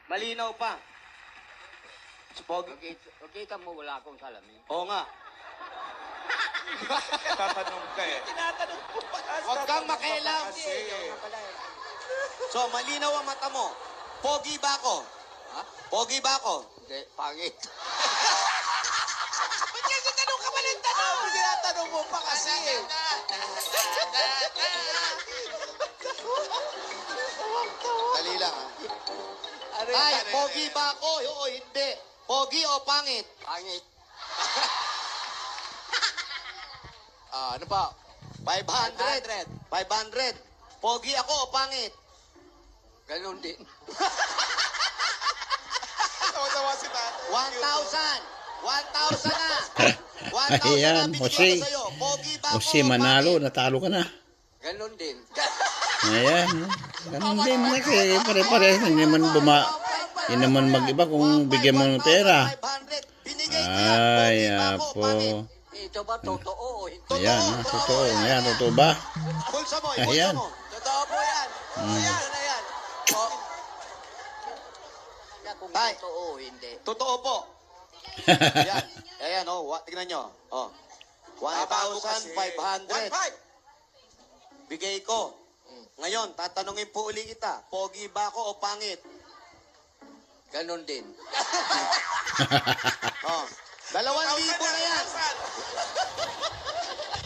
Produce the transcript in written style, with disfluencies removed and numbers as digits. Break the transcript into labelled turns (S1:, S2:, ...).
S1: Malinaw pa. Pogi.
S2: Kita mo wala akong salamin.
S1: Oo nga.
S3: Tatanong ka eh.
S1: Tinatanong ko pa.
S3: Huwag kang makialam.
S1: So, malinaw ang mata mo. Pogi ba ako?
S2: Ha?
S1: Pogi ba ako?
S2: Hindi, pangit.
S1: Ba't kasi tanong ka pa ng tanong? Tinatanong mo pa kasi eh. Dali lang ha. Ay, pogi ba ako? Oo, hindi. Pogi o pangit?
S2: Pangit.
S1: Ano ba? 500. 500. Pogi ako o pangit?
S2: Ganon din.
S3: Tawa-tawa si tatay.
S1: 1,000 na. 1,000
S4: Ayan,
S1: na
S4: Jose.
S1: binigyan ko sa'yo. Pogi ba ako
S4: Jose,
S1: o
S4: manalo.
S1: pangit?
S4: Natalo ka na.
S2: Ganon din.
S4: Ayan. Ganun din na kasi pare-pares. Hindi naman mag-iba kung bigyan mo ng pera.
S1: 500. Binigay ko yan.
S4: Ay,
S1: Pogi ba ako o
S4: apo.
S1: pangit?
S2: Ito ba totoo o hindi?
S4: Ayan, ha? Totoo. Ayan, totoo ba?
S1: Bulsa mo,
S4: Ayan.
S1: bulsa mo. Totoo po yan. Ayan na yan. O,
S2: Kung
S1: Tay.
S2: totoo o hindi.
S1: totoo po. Ayan. Ayan, tignan nyo. 1,500.
S3: 1,500.
S1: Bigay ko. Ngayon, tatanungin po uli kita. Pogi ba ako o pangit?
S2: Ganon din.
S1: 2,000 na yan.